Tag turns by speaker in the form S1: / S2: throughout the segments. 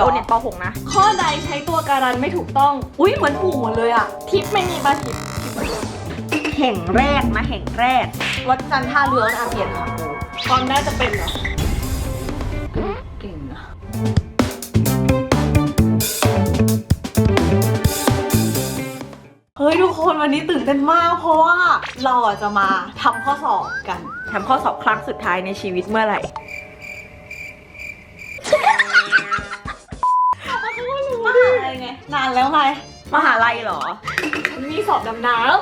S1: โอเน็ตป .6 นะ
S2: ข้อใดใช้ตัวการันไม่ถูกต้อง
S3: อุ้ยเหมือนถูกหมดเลยอะ
S2: ทิปไม่มีปะทิป
S1: แห่งแรกนะแห่งแรก
S3: วัดจันทร์ท่าเรืออาเพียนค่ะ
S2: ความน่าจะเป็นเหรอ
S3: เก่งนะเฮ้ยทุกคนวันนี้ตื่นเต้นมากเพราะว่าเราอ่ะจะมาทำข้อสอบกัน
S1: ทำข้อสอบครั้งสุดท้ายในชีวิตเมื่อไหร่
S3: มหาอะไรไงนานแล้วไง
S1: มหาลัยเหรอ
S2: มีสอบดำน้ำ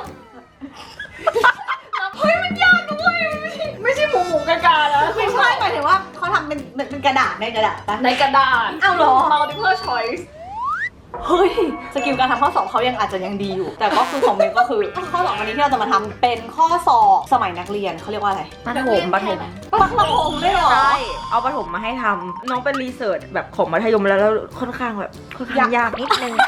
S2: เฮ้ยมันยากด้วยไม่ใช่หมูกากานะ
S3: ไม่ใช่หมายถึงว่าเขาทำเป็นกระดาษในกระดาษปะ
S2: ในกระดาษ
S3: อ้าวเหรอ
S2: multiple choice
S3: เฮ้ยสกิลการทำข้อสอบเขายังอาจจะยังดีอยู่ แต่ก็คือของเมย์ก็คือข้อสอบวันนี้ที่เราจะมาทำเป็นข้อสอบสมัยนักเรียนเขาเรียกว่าอะไร
S1: ประถม
S3: ประถมได้หรอ
S1: ใช่ เอาประถมมาให้ทำน้องเป็นรีเสิร์ชแบบของมัธยมแล้วค่อนข้างแบบค่อนข้างยากนิดนึง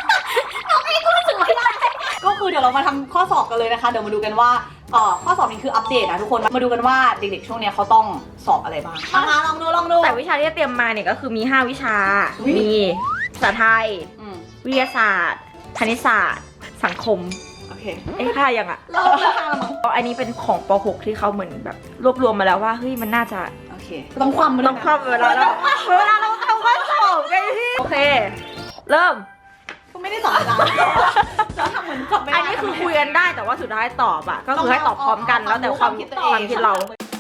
S3: ก็คือเดี๋ยวเรามาทำข้อสอบกันเลยนะคะเดี๋ยวมาดูกันว่าข้อสอบนี้คืออัปเดตนะทุกคนมาดูกันว่าเด็กๆช่วงนี้เขาต้องสอบอะไรบ้างมาลองดู
S1: แต่วิชาที่จะเตรียมมาเนี่ยก็คือมี 5 วิชา
S3: อุ๊ย
S1: มีภาษาไทย
S3: อืม
S1: วิทยาศาสตร์ คณิตศาสตร์ สังคม
S3: โอเค
S1: ค่ายังอ่ะ
S3: เราจะทำมั้ง
S1: อันนี้เป็นของป .6 ที่เขาเหมือนแบบรวบรวมมาแล้วว่าเฮ้ยมันน่าจะ
S3: โอเคต้องความมัน
S1: ต้องครอบเวลาเราทำข้อสอบไงพี่โอเค เริ่ม
S3: ก็ไม่ได้สอนเวลาเราทำเหมือนสอบไม่ได้
S1: อันนี้คือคุยกันได้แต่ว่าสุดท้ายตอบอ่ะก็คือให้ตอบพร้อมกันแล้วแต่ความคิดเรา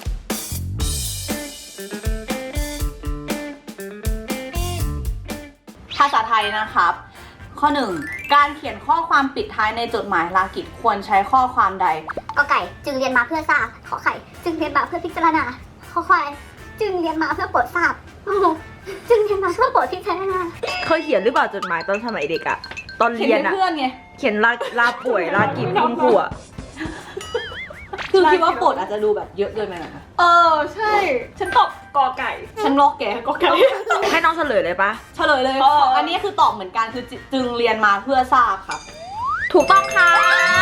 S3: ภาษาไทยนะครับ ข้อ 1 การเขียนข้อความปิดท้ายในจดหมายลากิจควรใช้ข้อความใด
S4: กอไก่จึงเรียนมาเพื่อทราบขอไข่จึงเรียนมาเพื่อพิจารณาขอควายจึงเรียนมาเพื่อโปรดทราบจึงเรียนมาเพื่อโปรดพิจารณา
S1: เคยเขียนหรือเปล่าจดหมายตอนสมัยเด็กอ่ะตอน
S3: เขียน
S1: เรียน
S3: ให้
S1: อ่ะ
S3: เพื่อนไง
S1: เขียนลาป่วยลากิจคุณครูอ่ะ
S3: คือคิดว่าโปรดอาจจะดูแบบเยอะเกินไปหน่อยนะ
S2: ใช่ ฉันตอบกอไก่
S3: ฉันลอกแกกอไก่
S1: ให้น้องเฉลยเลยปะ
S3: เฉลยเลยอันนี้คือตอบเหมือนกันคือจึงเรียนมาเพื่อทราบครับ
S1: ถูกต้องค่ะ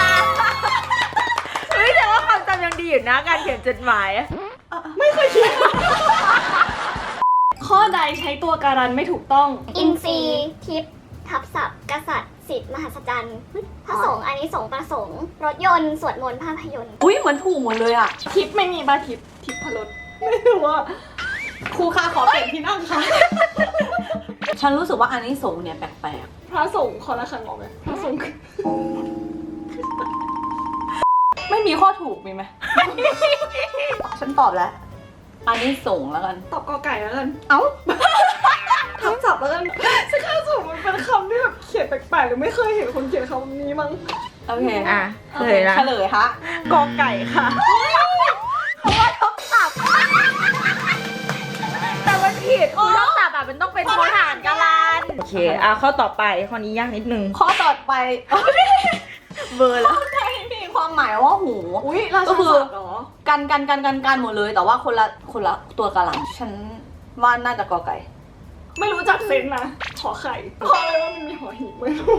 S1: เฮ้ยแต่ว่าความจำยังดีอยู่นะการเขียนจดหมาย
S2: ไม่เคยคิด ข้อใดใช้ตัวการันไม่ถูกต้อง
S4: อินทรีย์ทิพย์ทับศัพท์กษัตริย์สิทธิ์มหัศจรรย์พระสงฆ์อันนี้สงส์ประสงค์รถยนต์สวดมนต์ภาพยนตร์
S3: อุ้ยเหมือนถูกหมดเลยอ่ะ
S2: ทิปไม่มีปะทิปพลดไม่รู้ว่า
S3: ครูคะขอเปลี่ยนที่นั่งค่ะ ฉันรู้สึกว่าอันนี้สงส์เนี่ยแปลก
S2: พระสงฆ์คอละครังออกไหมพระสงฆ์
S3: ๆไม่มีข้อถูกมีไหม ฉันตอบแล้ว อันนี้สงส์แล้วกัน
S2: ตอบกอไก่แล้วกัน
S3: เอ้า
S2: ทับศัพท์แล้วกันซึ่งคำศัพท์มันเป็นคำที่แบบเขียนแปลกๆหรือไม่เคยเห็นคนเขียนคำนี้มั้ง
S3: โอเค
S1: อ่ะเฉลยนะ
S3: เฉลยฮะ
S1: กอไก่ค่ะเพราะว่าทับศัพท์แต่มันผิดคือทับศัพท์อ่ะมันต้องเป็นโทหารกาลันโอเคข้อต่อไปข้อนี้ยากนิดนึง
S3: ข้อต่อไป
S1: เบอร์แล้ว
S3: มีความหมายว่าหู
S2: อุ้ยราชา
S3: ก็คือ
S2: ศัพท์เหรอ
S3: กันหมดเลย แต่ว่าคนละตัวกะหล่ำฉันว่าน่าจะกอไก่
S2: ไม่รู้จักเซนนะขอไข่เพราะอะไรว่ามันมีหอหีบไม่รู้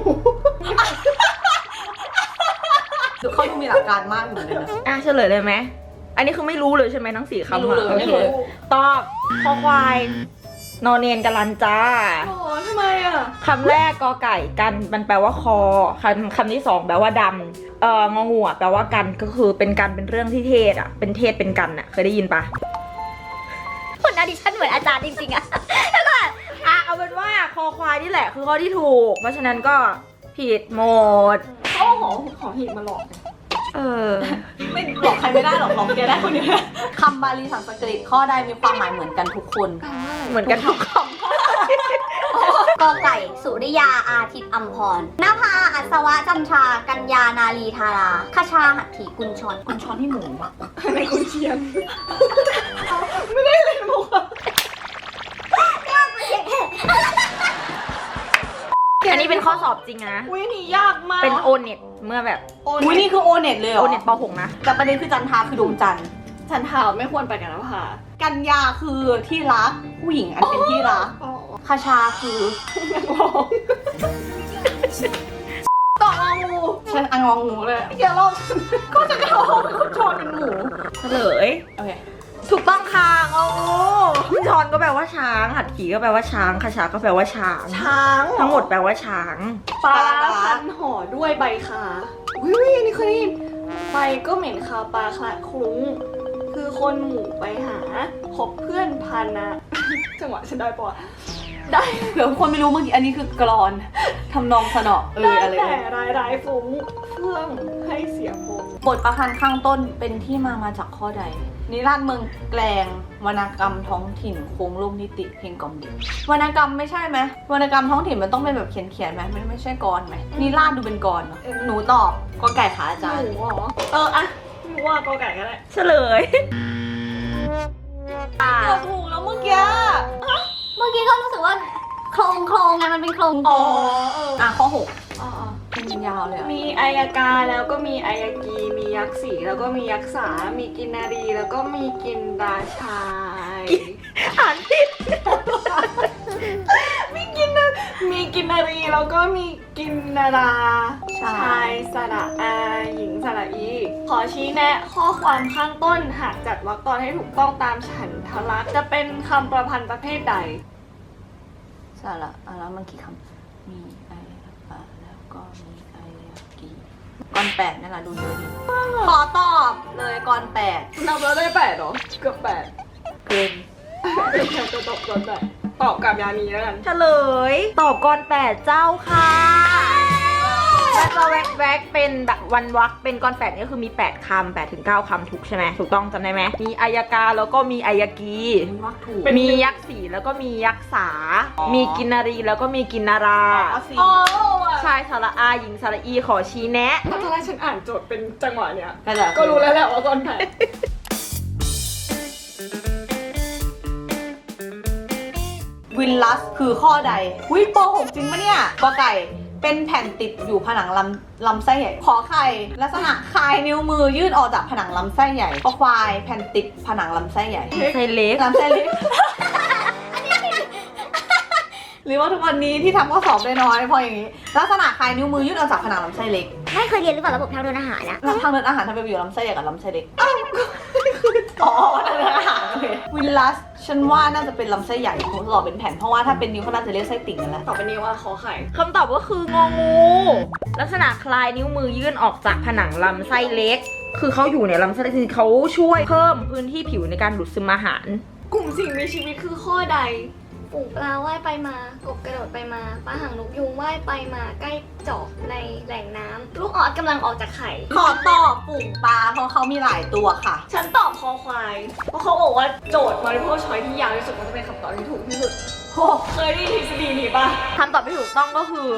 S3: เขาดูมีหลักการมากเหมือนกันนะ
S1: เฉลยเลยไหมอันนี้คือไม่รู้เลยใช่ไหมทั้ง4คำ
S3: ไม่รู้เลย
S1: โอ
S3: ไม่
S1: เค
S3: รู้
S1: ตอบคอควายนอนเนนกาลันจ้า
S2: อ๋อทำไมอ่ะ
S1: คำแรกกอไก่กันมันแปลว่าคอคำที่สองแปลว่าดำงองูแปลว่ากันก็คือเป็นกันเป็นเรื่องที่เทศอ่ะเป็นเทศเป็นกันอ่ะเคยได้ยินปะ
S4: คนอดิชั่นเหมือนอาจารย์จริงๆอะ
S1: เอาเป็นว่าคอควายนี่แหละคือข้อที่ถูก เพราะฉะนั้นก็ผิดหมด
S2: เขาเอาหอหีบมาหลอก
S3: ไม่หลอกใครไม่ได้หรอกหลอกแกได้คนเดียวคำบาลีสันสกฤตข้อใดมีความหมายเหมือนกันทุกคน
S1: เหมือนกันทุกค
S4: กอไก่สุริยาอาทิตย์อัมพรนภาอัศวะจันทรากัญญานาลีธาราคชาหัตถีกุญชร
S3: คุณช้อนที่หมูอะ
S2: ในกุนเชียน ไม่ได้เล่นมุกอะ
S1: ำอันนี้เป็นข้อสอบจริงนะ
S2: อุ้ยนี่ยากมาก
S1: เป็นโอเน็ตเมื่อแบบ
S3: อุ้ยนี่คือโอเน็ตเลยเหร
S1: โอ
S3: อ
S1: เน็ตป .6 นะ
S3: แต่ประเด็นคือจันทราคือดวงจันทร์
S2: ฉันถามไม่ควรไปกันนะพา
S3: กันยาคือที่รักผู้หญิงอันเป็นที่รัก
S2: อ๋อ
S3: คาชาคือ
S2: นักร้องต่ององู
S3: ฉันอังงองูเลยอย่าลอกก็จะกระโดดคุณชอนเป็นหมู
S1: เฉลย
S3: โอเค
S2: เฉ
S1: ถูกต้องค่ะงองูชอนก็แปลว่าช้างหัดขี่ก็แปลว่าช้างคชาก็แปลว่าช้าง
S2: ช้าง
S1: ทั้งหมดแปลว่าช้าง
S2: ปลาพันห่อด้วยใบคาวิวนี่เคยได้ยินใบก็เหม็นคาวปลาคละคลุ้งคือคนหมู่ไปหาพบเพื่อนพันนะ จังหวะฉันได้ปะได้
S3: เดี๋ยวคนไม่รู้เมื่อกี้อันนี้คือกรอนทำนองสนอ
S2: ได้
S3: อะไร
S2: แต่ร้ายฟุ้งเฟื่องให้เสียพง
S3: บทประพันธ์ข้างต้นเป็นที่มาจากข้อใด นิราศเมืองแกลงวรรณกรรมท้องถิ่นโค้งลูกนิติเพลงกล่อมดิวรรณกรรมไม่ใช่ไหมวรรณกรรมท้องถิ่นมันต้องเป็นแบบเขียนไหมมันไม่ใช่กรไหมนิราศดูเป็นกรเนอะหนูตอบกอไก่ขาอาจาร
S2: ห
S3: ย์
S2: นูเหรออะหนูว่ากอไก่ก็ได้
S1: เฉลย
S3: เกือบถูกแล้วเมื่อกี้
S4: เมื่อกี้ก็รู้สึกว่าโครงไงมันเป็นโครง
S2: อ๋อ
S3: ข้อ
S2: อ๋อ
S3: 6เป็นยาวเลยอะ
S2: มีอายกาแล้วก็มีอายกีมียักษ์สีแล้วก็มียักษ์สามีกินนารีแล้วก็มีกินราชาย
S1: อ่านผิด
S2: มีกินนารีแล้วก็มีกินนาราชายสระอาหญิงสระอี ขอชี้แนะข้อความข้างต้นหากจัดวรรคตอนให้ถูกต้องตามฉันทลักษณ์จะเป็นคำประพันธ์ประเภทใด
S3: สาระแล้วมันกี่คำมีไอแล้วก็มีไอกีกร8นั่นแหละดูเยอะดีขอตอบเลยกร8
S2: นับแล้วได้8เหรอ เกือบ8
S3: เกิน
S2: จะตอบก่อน8ตอบกับยานีแล้วกัน
S1: เฉลย ตอบก่อน8เจ้าค่ะแล้วจะแวกเป็นแบบวันวักเป็นก่อน8นี่คือมี8คำ8ถึง9คำถูกใช่ไหมถูกต้องจำได้ไหมมีอายกาแล้วก็มีอายกี
S3: วักถูก
S1: มียักษ์สีแล้วก็มียักษ์สา มีกินนารีแล้วก็มีกินนารา
S2: อ๋อ
S1: ชายสระอาหญิงสระอีขอชี้แนะ
S2: ถ้าตอนแรกฉันอ่านโจทย์เป็นจังหวะเนี้ย
S3: ก็จะ
S2: ก็รู้แล้วแหละว่าก่อน8
S3: วินลัสคือข้อใดหุ้ยป .6 จริงปะเนี่ยกอไก่เป็นแผ่นติดอยู่ผนังลำไส้ใหญ่ขอไข่ลักษณะคลายนิ้วมือยื่นออกจากผนังลำไส้ใหญ่ขอควายแผ่นติดผนังลำไส้ใหญ่
S1: ไซเล็ก
S3: ลำไส้เล็ก หรือว่าทุกวันนี้ที่ทำข้อสอบได้น้อยเพราะอย่างนี้ ลักษณะคลายนิ้วมือยื่นออกจากผนังลำไส้เล็ก
S4: ไม่เคยเรียนหรือเปล่าระบบทางเดินอาหารนะ
S3: แล้วทางเดินอาหารทำไมไปอยู่ลำไส้ใหญ่กับลำไส้เล็กอ๋อทางเดินอาหารโอเควินลัสฉันว่าน่าจะเป็นลำไส้ใหญ่ผมตอบเป็นแผ่นเพราะว่าถ้าเป็นนิ้วเขาน่าจะเรียกไส้ติ่งนั่นแหละ
S2: ต่อไปนี้ว่าขอไข่
S1: คำตอบก็คืององู ลักษณะคลายนิ้วมือยื่นออกจากผนังลำไส้เล็ก คือเขาอยู่ในลำไส้เล็กเขาช่วยเพิ่มพื้นที่ผิวในการดูดซึมอาหาร
S2: กลุ่มสิ่งมีชีวิตคือข้อใด
S5: ฝูงปลาว่ายไปมา กบกระโดดไปมา ปลาหางนกยูงว่ายไปมาใกล้เจาะในแหล่งน้ำ ลูกออสกำลังออกจากไข่
S3: ขอตอบฝูงปลาเพราะเขามีหลายตัวค่ะ
S2: ฉันตอบคอควาย เพราะเขาบอกว่าโจทย์ multiple choice ที่ยาวที่สุดมันจะเป็นคำตอบที่ถูกที่สุดโอ้เคยได้ยินทฤษฎีนี้ปะ
S1: คำตอบที่ถูกต้องก็คือ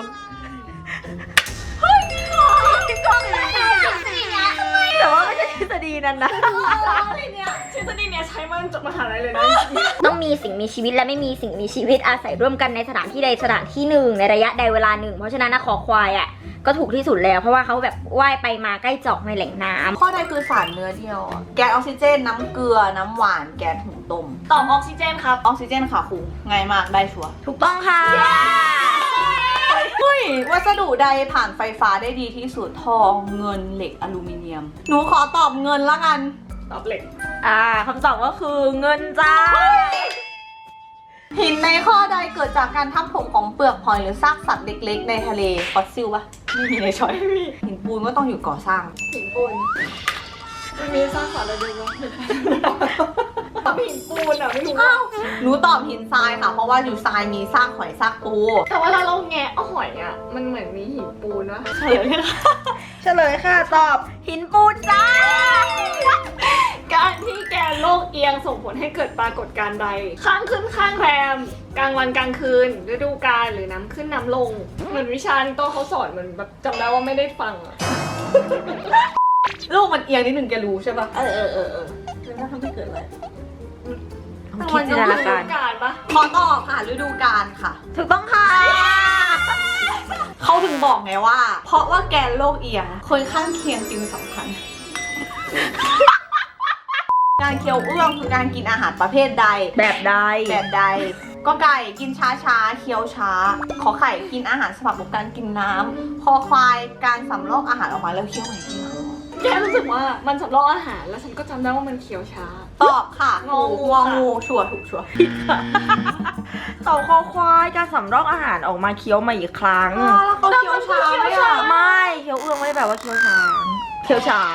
S1: แต่ว่าไม่ใช่ทฤษฎีนั้นนะ
S2: อะไรเนี่ยทฤษฎีเนี้ยใช้มาจบมหาลัยเลยนะ
S4: ต้องมีสิ่งมีชีวิตและไม่มีสิ่งมีชีวิตอาศัยร่วมกันในสถานที่ใดสถานที่หนึ่งในระยะใดเวลาหนึ่งเพราะฉะนั้นนะคอควายอ่ะก็ถูกที่สุดแล้วเพราะว่าเขาแบบว่ายไปมาใกล้เจาะในแหล่งน้ำ
S3: ข้อใดคือสารเนื้อเดียวอะแก๊สออกซิเจนน้ำเกลือน้ำหวานแก๊สหุงต้ม
S2: ตอบออกซิเจนครับ
S3: ออกซิเจนค่ะครูง่ายมากได้ชัวร์
S1: ถูกต้องค่ะ
S3: เฮ้ยวัสดุใดผ่านไฟฟ้าได้ดีที่สุดทองเงินเหล็กอลูมิเนียม หนูขอตอบเงินละกัน
S2: ตอบเหล็ก
S1: คำตอบก็คือเงินจ้า
S3: หินในข้อใดเกิดจากการทับถมของเปลือกหอยหรือซากสัตว์เล็กๆในทะเลฟอสซิลปะไม่มีในช้อย หินปูนก็ต้องอยู่ก่อสร้าง
S2: หินปูนมันมีสร้างสรรค์อะไรด้วยวะตอบหินปูนอ่ะไม่รู้ว่า
S3: หนูตอบหินทรายค่ะ เพราะว่าอยู่ทรายมีซากหอยซากปู
S2: แต่ว่าเราแงะเอาหอยอ่ะ มันเหมือนมีหินปูนวะ
S3: เฉลยเลยค่ะ
S1: เฉลยค่ะตอบหินปูนจ้า
S2: การที่แกนโลกเอียงส่งผลให้เกิดปรากฏการณ์ใด ข้างขึ้นข้างแรม กลางวันกลางคืน ฤดูกาลหรือน้ำขึ้นน้ำลง เหมือนวิชาที่โต้เขาสอนเหมือนแบบจำได้ว่าไม่ได้ฟังอ่ะ
S3: ลูกมันเอียงนิดหนึ่งแกรู้ใช่ปะ
S2: เออ
S3: แล้วถ้าทำให้เกิดอะไร
S1: คิดจินตนา
S2: ฤ
S1: การ
S2: ดูกาลปะ
S3: ขอตอบค่ะฤดูกาลค่ะ
S1: ถูกต้องค่ะ
S3: เขาถึงบอกไงว่า เพราะว่าแกนโลกเอียงคนข้างเคียงจึงสำคัญ การเคี้ยวเอื้องคือการกินอาหารประเภทใด
S1: แบบใด
S3: แบบใดก็ไก่กินช้าๆเคี้ยวช้า ขอไข่กินอาหารสำหรับการกินน้ำคอควายการสำลอกอาหารออกมาแล้วเคี้ยวใหม่ทีหลัง
S2: แค่รู้สึกว่ามันสำรอกอาหารแล้วฉันก็จำได้ว่ามันเคี้ยวช้า
S3: ตอบค่ะ
S2: งองู
S3: งอ
S2: ค่ะ
S3: งูชัวร์ถูกชัวร์
S1: เต่าคอควายการสำรอกอาหารออกมาเคี้ยวมาอีกครั้ง
S3: แล้วเขาเคี้ยวช้าไหมอ่ะ
S1: ไม่เคี้ยวเอื้องไม่ได้แบบว่าเคี้ยวช้าเคี้ยวช้า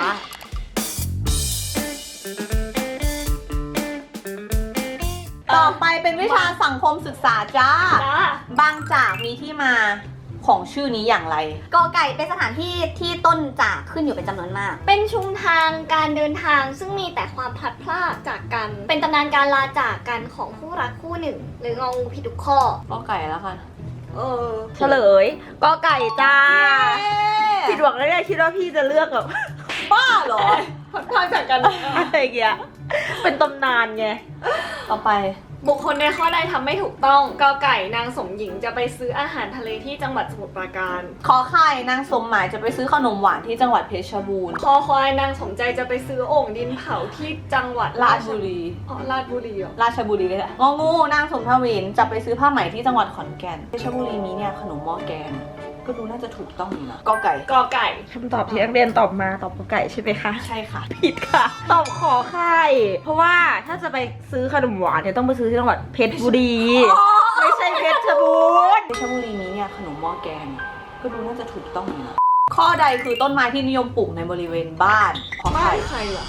S3: ต่อไปเป็นวิชาสังคมศึกษาจ้า
S2: จ้า
S3: บางจากมีที่มาของชื่อนี้อย่างไร
S4: กอไก่เป็นสถานที่ที่ต้นจากขึ้นอยู่เป็นจำนวนมาก
S5: เป็นชุมทางการเดินทางซึ่งมีแต่ความพลัดพรากจากกัน เป็นตำนานการลาจากกันของคู่รักคู่หนึ่ง หรืององูผิดทุกข้อ
S3: ก็ไก่แล้วค่ะ
S1: เฉลยกอไก่จ้าผิดหวังแล้วเนี่ยคิดว่าพี่จะเลือกแบบ
S3: บ้าเหรอ
S2: พลัดพรากจากกัน
S1: อะไรอย่างเงี้ยเป็นตำนานไง
S3: ต่อไป
S2: บุคคลในข้อใดทำไม่ถูกต้องกอไก่นางสมหญิงจะไปซื้ออาหารทะเลที่จังหวัดสมุทรปราการ
S3: ขอไข่นางสมหมายจะไปซื้อขนมหวานที่จังหวัดเพชรบูรณ์
S2: คอควายนางสมใจจะไปซื้อโอ่งดินเผาที่จังหวัด
S3: ราชบุรี
S2: อ๋อราชบุรีเหรอ
S3: ราชบุรีเลยแหละงองูนางสมทวินจะไปซื้อผ้าไหมที่จังหวัดขอนแก่นเพชรบุรีมีเนี่ยขนมหม้อแกงก็ดูน่าจะถูกต้องอยู่นะกอไก่
S2: กอไก่
S1: คำตอบที่นักเรียนตอบมาตอบกอไก่ใช่ไหมคะ
S3: ใช่ค่ะ
S1: ผิดค่ะ ตอบขอไข่เพราะว่าถ้าจะไปซื้อขนมหวานเนี่ยต้องไปซื้อที่จังหวัดเพชรบุรี ไม่ใช่เพชรบูรณ์
S3: เพชรบุรีมีเนี่ยขนมหม้อแกงก็ดูน่าจะถูกต้องอยู่นะข้อใดคือต้นไม้ที่นิยมปลูกในบริเวณบ้านขอ
S2: บ้า
S3: ไข่
S2: นใครล่ะ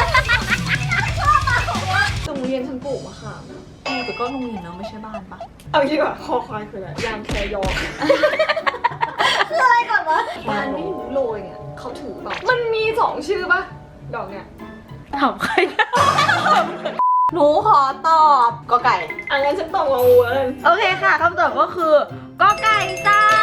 S2: โรงเรียนฉันปลูกมะขามนะ
S3: แต่ก็โรงเรียนเนอะไม่ใช่บ้านปะ
S2: เอางี้ดีกว่าคอควายคืออะไรยางแคยอ
S5: อะไรก่อนวะ
S2: บ้านไม่รู้โรยเนี่ยเขาถือเปล่ามันมี2ชื่อปะดอกเนี่ย
S1: ถามใครนะ
S3: หนูขอตอบกอไก่
S2: อันนั้นฉันตอบงองูแล้วกัน
S1: โอเคค่ะคำตอบก็คือกอไก่จ้า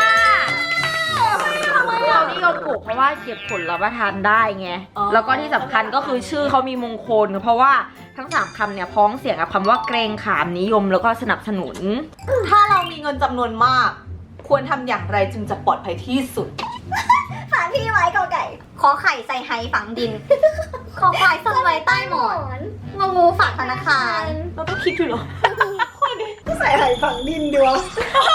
S1: เรานิยมปลูกเพราะว่าเก็บผลรับประทานได้ไง
S3: อ๋อ
S1: แล้วก็ที่สำคัญก็คือชื่อเขามีมงคล เพราะว่าทั้ง3คำเนี่ยพ้องเสียงกับคำว่าเกรงขามนิยมแล้วก็สนับสนุน
S3: ถ้าเรามีเงินจำนวนมาก ควรทำอย่างไรจึงจะปลอดภัยที่สุด
S4: สถานที่ไว้กอไก่ ขอไข่ใส่ไหฝังดิน ขอควายซ่อนไว้ใต้หมอน งองูฝากธนาคาร
S3: เราต้องคิดด้วยเหรอ
S2: ก็ใส่ไหฝังดินดีวะ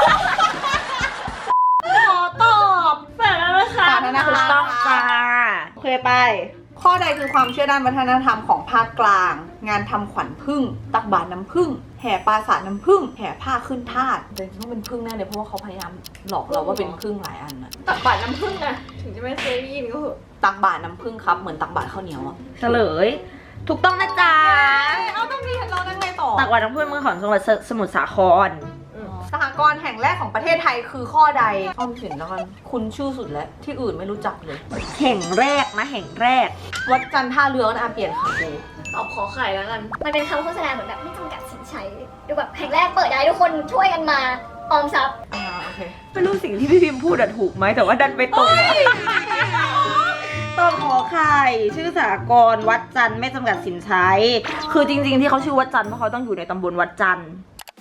S3: ขอตอบ
S2: แปลแล้วนะคะ
S3: ฝากธนาคาร
S1: ถูกต้องจ้าโอเคไป
S3: ข้อใดคือความเชื่อด้านวัฒนธรรมของภาคกลาง งานทำขวัญผึ้งตักบาตรน้ำผึ้งแห่ปราสาทน้ำผึ้งแห่ผ้าขึ้นทาสแต่จริงๆต้องเป็นผึ้งแน่เลยเพราะว่าเขาพยายามหลอกเราว่าเป็นผึ้งหลายอันนะ
S2: ตักบาตรน้ำผึ้งนะถึงจะไม่เคยได้ยินก็เหอะ
S3: ตักบาตรน้ำผึ้งครับเหมือนตักบาตรข้าวเหนียวอะ
S1: เฉลย ถูกต้องนะจ๊ะ
S3: เอาต้องมีเราได้ไงต่อ
S1: ตักวันน้ำพึ่งเมืองของจังหวัดสมุทรสาคร
S3: สหกรณ์แห่งแรกของประเทศไทยคือข้อใดออมสินแล้วกันคุณชื่อสุดแล้วที่อื่นไม่รู้จักเลย
S1: แห่งแรกนะแห่งแรก
S3: วัดจันทร์ท่าเรือนะเปลี่ยนค่ะครู
S2: ตอบขอไข่แล้วกัน
S5: มันเป็นคำโฆษณาเหมือนแบบไม่จำกัดสินใช้ ดูแบบแห่งแรกเปิดได้ทุกคนช่วยกันมาออมทรัพย์
S3: โอเค
S1: ไม่รู้สิ่งที่พี่พิมพ์พูดอะถูกไหมแต่ว่าดันไปตรงต้นขอไข่ชื่อสากรณ์วัดจันทร์ไม่จำกัดสินใช้ คือจริงๆที่เขาชื่อวัดจันทร์เพราะเขาต้องอยู่ในตำบลวัดจันทร์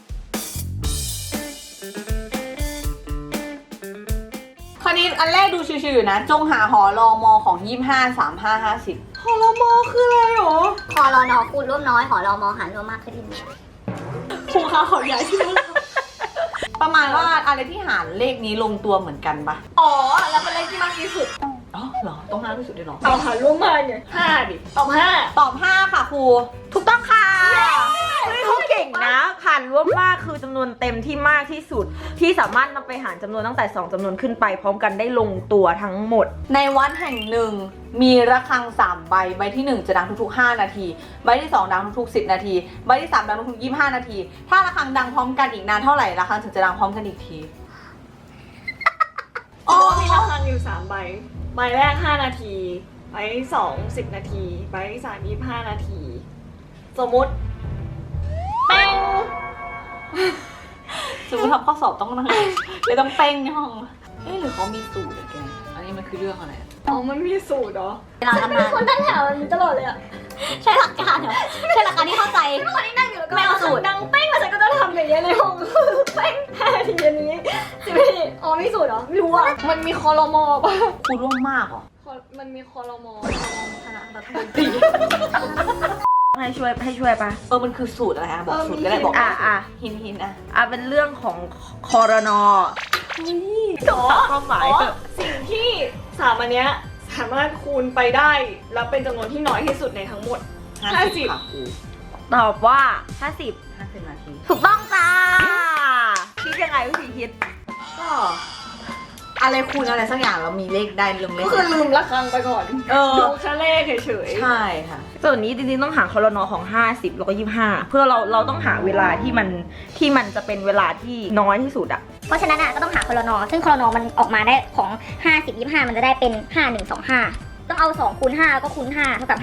S3: คราวนี้อันแรกดูชิวๆอยู่นะ จงหาหอรอมอของ25 35
S2: ฮอลโมคืออะไรหรอ
S4: คอรอนอคูณร่วมน้อยหอรอมอหารรวมมากขึ้นอีก
S2: ครูคะขอย้ายชื่อ
S3: 50ประมาณว่าอะไรที่หารเลขนี้ลงตัวเหมือนกันปะ
S2: อ๋อ แล้วเป็นเลขที่มากที่สุด
S3: อ๋อเหรอต้องมากที่สุดด้วยเหรอ
S2: เอาหาร่วมมาไง5ดิตอบ5
S3: ตอบ 5 ค่ะครู
S1: ถูกต้องค่ะเฮ้ยเขาเก่งนะผ่านร่วมมากคือจำนวนเต็มที่มากที่สุด ที่สามารถนำไปหารจำนวนตั้งแต่2จำนวนขึ้นไปพร้อมกันได้ลงตัวทั้งหมด
S3: ในวัดแห่งหนึ่งมีระฆัง3ใบใบที่1จะดังทุกๆ5นาทีใบที่2ดังทุกๆ10นาทีใบที่3ดังทุกๆ25นาทีถ้าระฆังดังพร้อมกันอีกนานเท่าไหร่ระฆังถึงจะดังพร้อมกันอีกที
S2: อ๋อมีระฆังอยู่3ใบ ใบแรก5นาที ใบที่2 10นาที ใบที่3 25นาที สมมุติเป้ง
S3: สมมติทำข้อสอบต้องนั่งเลยต้องเป้งในห้องเอ๊ะหรือเขามีสูตรอะแกอันนี้มันคือเรื่องอะไรอะ
S2: อ๋อ มันมีสูตรเหรอ
S4: เวลาทำงาน
S5: คนตั้งแถวตลอดเลยอะ
S4: ใช่หลักการเหรอใช่หลักการที่เข้าใจ
S5: คนที่นั่งอยู่แล้วก็
S4: ไม่เอาสูตร
S5: ดังเป้งแล้วฉันก็จะทำอย่างเงี้ยในห้องเป้ง5นาทีอันนี้10นาทีอ๋อมีสูตรเหรอไม่รู้อะ
S2: มันมีคอรมอป่ะ
S3: ครูร่วมมากเหรอ
S2: มันมีคอรมอ
S3: คณะรัฐมนตรี
S1: ให้ช่วยปะ
S3: มันคือสูตรอะไรอะบอกสูตรก็ได้บอก
S1: อ่ะ
S3: หินอะ
S1: เป็นเรื่องของคอรนอ
S2: อ๋อ
S1: ความหมาย
S2: สิ่งที่3อันเนี้ยสามารถคูณไปได้แล้วเป็นจำนวนที่น้อยที่สุดในทั้งหมด
S3: 50ค่ะครู
S1: ตอบว่า
S3: 50 นาที
S1: 50 ถูกต้องจ้าคิดยังไงวิธีคิด
S3: ก็อะไรคูณอะไรสักอย่างเรามีเลขได้ลงเล
S2: ก็
S3: ข
S2: คือลืมระฆังไปก่อน ดูแค่เลขเฉย
S3: ใช่ค่ะ
S1: ส่วนนี้จริงๆต้องหาคอรนอของ 50 แล้วก็ 25 เพื่อเราต้องหาเวลาที่มันจะเป็นเวลาที่น้อยที่สุดอะ
S4: เพราะฉะนั้นอ่ะก็ต้องหาคอรนอซึ่งคอรนอมันออกมาได้ของ 50 25 มันจะได้เป็น 5125 ต้องเอา2คูณ5แล้วก็คูณ5เท่ากับ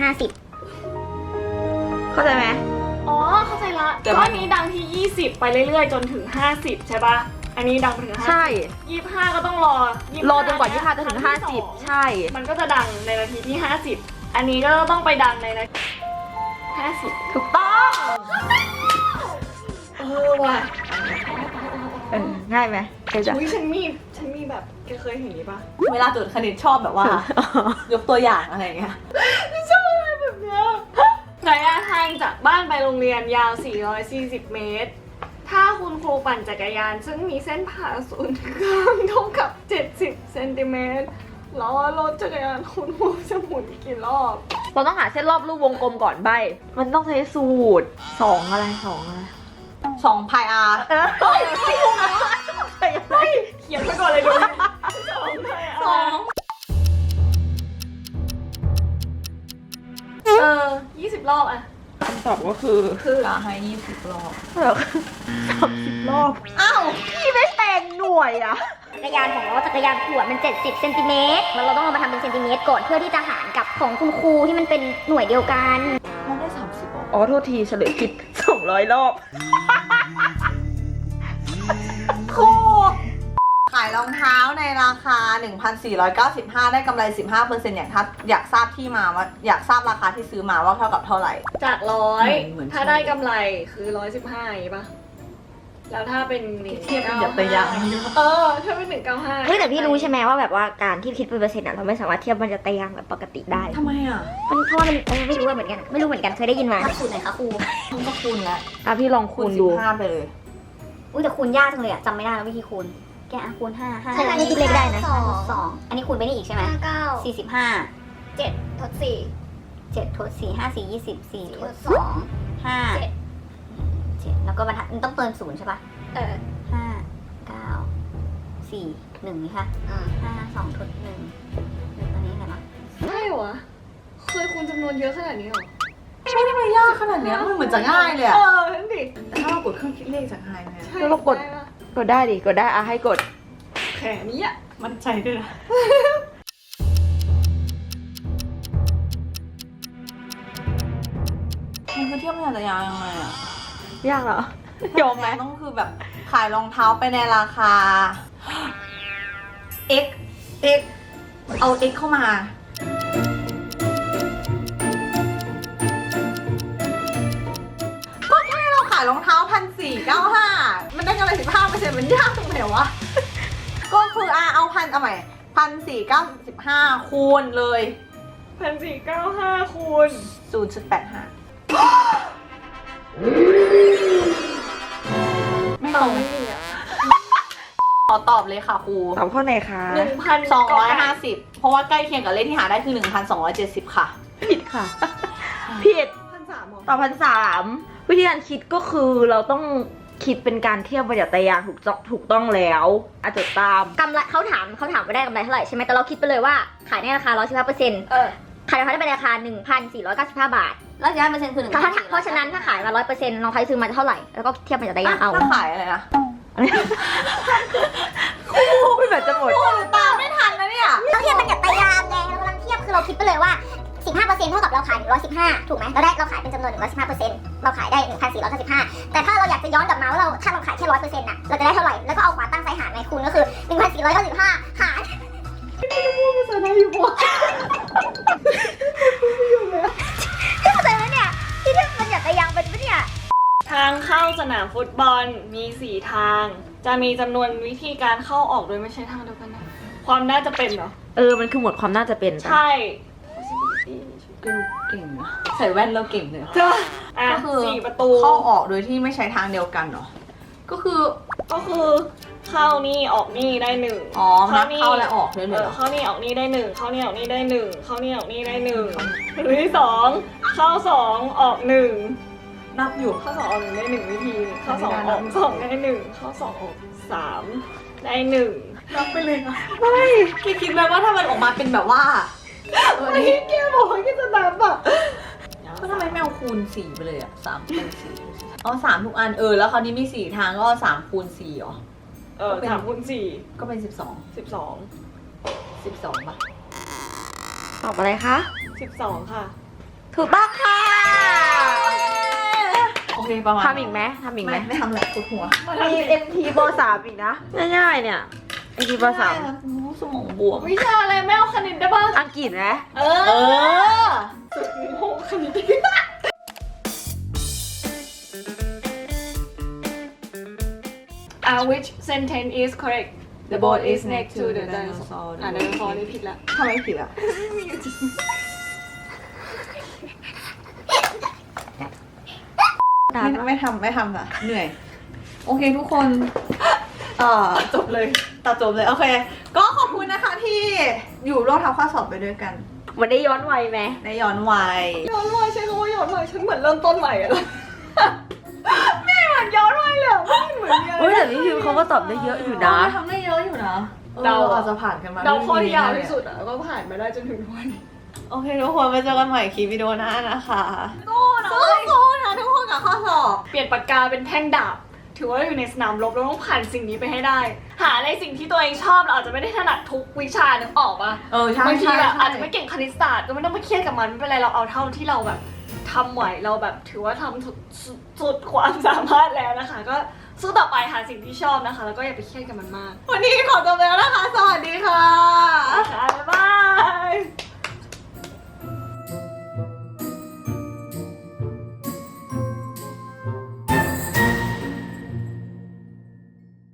S1: เข้าใจไหม
S2: ๆ อ๋อ เข้าใจละ
S3: แต่
S2: ก็
S3: ว่า
S2: อันนี้ดังที่ 20 ไปเรื่อยๆ จนถึง 50 ใช่ปะอันนี้ดังไปถึง
S1: ใช่
S2: 25 ก็ต้องรอ25
S1: รอจนกว่า 25 จะถึง
S2: ครั้ที่สอง
S1: 50 ใช่
S2: มันก็จะดังในนาทีที่ 50 อันนี้ก็ต้องไปดังในนาที50
S1: ถูกต้อง
S2: ว่ะ
S1: ง่ายไหมเคยจะ
S2: อุ้ยฉันมีแบบแกเคยเห็นนี้ปะ
S3: เวลาจดคณิตชอบแบบว่า ยกตัวอย่างอะไรอย่างเงี้ย
S2: ชอบอะไรแบบเนี้ยระยะทางจากบ้านไปโรงเรียนยาว 440 เมตร ถ้าคุณครูปั่นจักรยาน ซึ่งมีเส้นผ่าศูนย์กลางเท่ากับ 70 เซนติเมตรแล้วรถจักรยานคุณครูจะหมุนกี่รอบ
S1: เราต้องหาเส้นรอบรูปวงกลมก่อนใบ มันต้องใช้สูตร2อะไร2อะไร
S3: 2 พายอาร์
S1: เฮ้ยไม่ถูกนะ
S2: เขียนไปก่อนเลยดูสอง 20 รอบอะ
S1: คำตอบก็คือ
S3: จะให้20 รอบ
S1: 30 รอบ
S3: อ้าว
S1: พี่ไม่แต่งหน่วยอะ
S4: 50 จักรยานของเราจักรยานขวดมัน 70 เซนติเมตรแล้วเราต้องเอามาทำเป็นเซนติเมตรก่อนเพื่อที่จะหารกับของคุณครูที่มันเป็นหน่วยเดียวกัน
S3: มันได้ 30 รอบ
S1: อ๋อโทษทีเฉลยผิด200 รอบ
S3: ครูขายรองเท้าในราคา 1,495 ได้กำไร 15% อยากทราบที่มาว่าอยากทราบราคาที่ซื้อมาว่าเท่ากับเท่าไหร่
S2: จาก
S3: เหมือน
S2: 100 ถ้าได้กำไรคือ 115อย่างงี้ปะแล้วถ้าเป็น
S3: เทียบเป็นอย่างตัวอย่าง
S2: ถ้าเป็น195
S4: เฮ้ยแต่พี่รู้ใช่ไหมว่าแบบว่าการที่คิดเป็นเปอร์เซ็นต์อะเราไม่สามารถเทียบมันจะตายางแบบปกติได้
S3: ทำไมอ่ะ
S4: มันเพราะว่ามันไม่รู้เหมือนกันไม่รู้เหมือนกันเคยได้ยินมาคูณไหนคะครู
S3: มันก็คูณแล้ว
S1: อ่ะพี่ลองคูณดู
S3: 15ไปเลย
S4: อุ้ยแต่คูณยากจังเลยอะจำไม่ได้แล้ววิธีคูณแกะคูณ5
S5: ใช่
S4: ไม่คิดเลขได้นะ
S5: สอง
S4: 2อันนี้คูณไปนี่อีกใช่ไหม
S5: 59
S4: 45
S5: 7 ทด
S4: 7ทด4 5 4 20 4ทด
S5: 4 2
S4: 5
S5: 7
S4: 7แล้วก็บรรทัดมันต้องเติม0ใช่ปะ
S5: เออ
S4: 5 9 4 1นี่ค่ะ
S5: อ่า
S4: 5 2ทด1ตัวนี้อะไรมา
S2: ใช่เหรอ เคยคูณจำนวนเยอะขนาดนี้เหรอ
S3: ไม่ได้มายากขนาดเนี้ยมันเหมือนจะง่ายเลยอะ
S2: นั่นดิ
S3: แต่ถ้าเรากดเครื่องคิดเลขจะง่ายไหมอะ
S2: ใช่
S1: แล้วเรากด กดได้ดิ กดได้อ่ะให้กด
S2: แขนนี้อะ
S3: มั่นใจด้วยนะมันคือเทียบมันจะยาวยังไงอะ
S1: ยากเหรอ ยอมไหม
S3: ต้องคือแบบขายรองเท้าไปในราคา x เอา x เข้ามา ก็แค่เราขายรองเท้า1,495มันได้กำไร15%มันยากตรงไหนวะ ก็คือเอาเอาใหม่1,495คูณเลย
S2: 1,495 คูณ
S3: 0.85 ไม่ตรง
S2: ไม่มีอะ
S3: ขอตอบเลยค่ะครู
S1: ตอบข้อไหนคะ
S3: 250 เพราะว่าใกล้เคียงกับเลขที่หาได้คือ 1,270 ค่ะ
S1: ผิดค่ะ ผิด
S2: 1,300หรอ
S1: ตอบ1,300วิธีการคิดก็คือเราต้องคิดเป็นการเทียบบรรยัตยางถูกต้องแล้วอาจจะตาม
S4: กำไรเขาถามว่าได้กำไรเท่าไหร่ใช่ไหมแต่เราคิดไปเลยว่าขายในราคา 115%
S2: เออ
S4: ขายราคาได้เป็นราคา 1,495 บาท
S3: แล้ว1%คือ
S4: เพราะฉะนั้นถ้าขายมา 100%น้องใครซื้อมาเท่าไหร่แล้วก็เทียบบรรยัตยางเอา
S3: ถ้าขายอะไรนะ
S1: ไม่แบบจะหมด
S3: ตามไม่ทันนะเนี่ย
S4: เราเทียบบรรยัตยางไงเรากำลังเทียบคือเราคิดไปเลยว่า 15% เท่ากับเราขาย115ถูกไหมเราขายเป็นจำนวน115%เราขายได้ 1,495 แต่ถ้าเราอยากจะย้อนกลับมาว่าถ้าเราขายแค่ 100% น่ะเราจะได้เท่าไหร่แล้วก็เอาขวาตั้งซ้ายหารไงคูณก็คือ 1,495 หาร
S2: ภาษาไทยอยู่ปะ
S4: เข้าใจไหมเนี่ยที่เทียบบรรยัตยางเป็นปะเนี่ย
S2: ทางเข้าสนามฟุตบอลมี 4 ทาง จะมีจำนวนวิธีการเข้าออกโดยไม่ใช่ทางเดียวกันนะความน่าจะเป็นเหรอ
S1: มันคือหมวดความน่าจะเป็น
S2: ใช่
S3: ดูเก่งนะใส่แว่นแล้วเก่งเลย
S2: เจ้า
S3: ก็
S2: อ่ะ
S3: คือ
S2: 4 ประตู
S3: เข้าออกโดยที่ไม่ใช้ทางเดียวกันเหรอ ก็คือ
S2: ก็คือเข้านี่ออกนี่ได้หนึ่ง
S3: อ๋อนับเข้าและออกเลยเหรอ
S2: เข้านี่ออกนี่ได้หนึ่งเข้านี่ออกนี่ได้หนึ่งเข้านี่ออกนี่ได้หนึ่งหรือที่สองเข้าสองออกหนึ่ง
S3: นับอยู่
S2: เข้าสองออกหนึ่งได้หนึ่งวิธีเข้าสองออกสองได้หนึ่งเข้าสองออกสามได้หนึ่ง
S3: นับไปเลยนะไม่คิดไหมว่าถ้ามันออกมาเป็นแบบว่า
S2: ไอ้แกบอกว่าแกจะนับอ่ะ
S3: ก็ทำไมไม่เอาคูณ4ไปเลยอ่ะ3คูณ4เอา3ทุกอันแล้วคราวนี้มี4ทางก็3คูณ4เหรอ
S2: สามคูณสี่
S3: ก็เป็น12
S2: 12
S3: 12ป่ะ
S1: ตอบอะไรคะ
S2: 12ค่ะ
S1: ถูกต้องค่ะ
S3: โอเคประมาณ
S1: ทำอีกไหมทำอีกไหม
S3: ไม่ทำแหละปวดหัว
S1: มี MT ป .3 อีกนะ ง่ายๆเนี่ย MT ป .3
S3: สมองบวม
S2: วิชาอะไรไม่เอาคณิตได้ป่ะ
S1: อังกฤษไหม
S2: เอ
S3: เอ
S2: อ
S3: อ
S2: สุดโหคณิต which sentence is correct the boat is next to the dinosaur ไดโนเสาร์นี่ผิดละ
S3: ทำไมผิดอ่ะ ไม่ทำค่ะเหนื่อย โอเคทุกคนจบเลยตัดจบเลย โอเค ก็ขอบคุณนะคะที่อยู่ร่วมทำข้อสอบไปด้วยกัน
S1: มันได้ย้อนวัยไหม
S3: ได้ย้อนวัย
S2: ย้อนวัยใช้คำว่าย้อนวัยฉันเหมือนเริ่มต้นใหม่อะไม่เหมือนย้อนวัยเลยอะไม่เหมือนเยอะ
S1: เฮ้ยแต่นี่คือเขาก็ตอบได้เยอะอยู่นะ
S3: ทำได้เยอะอยู่นะ
S2: เรา
S3: อาจจะผ่านกันมา
S2: เราข้อที่ยาวที่สุดอะก็ผ่านมาได้จนถึงทุกวันนี้
S3: โอเคทุกคนไปเจอกันใหม่คลิปวิดีโอหน้านะคะสู้นะทุกคนกับข้อสอบ
S2: เปลี่ยนปากกาเป็นแท่งดาบถือว่าเราอยู่ในสนามรบเราต้องผ่านสิ่งนี้ไปให้ได้ หาในสิ่งที่ตัวเองชอบเราอาจจะไม่ได้ถนัดทุกวิชานึกออกปะ
S3: ใช่
S2: บางที
S3: ใช่
S2: แบบ
S3: ใช่
S2: อาจจะไม่เก่งคณิตศาสตร์ก็ไม่ต้องไปเครียดกับมันไม่เป็นไรเราเอาเท่าที่เราแบบทำไหวเราแบบถือว่าทำสุดความสามารถแล้วนะคะ ก็สู้ต่อไปหาสิ่งที่ชอบนะคะ แล้วก็อย่าไปเครียดกับมันมาก
S3: วันนี้ขอจบแล้วนะคะ สวัสดีค่ะ
S2: ค่ะบ๊ายบาย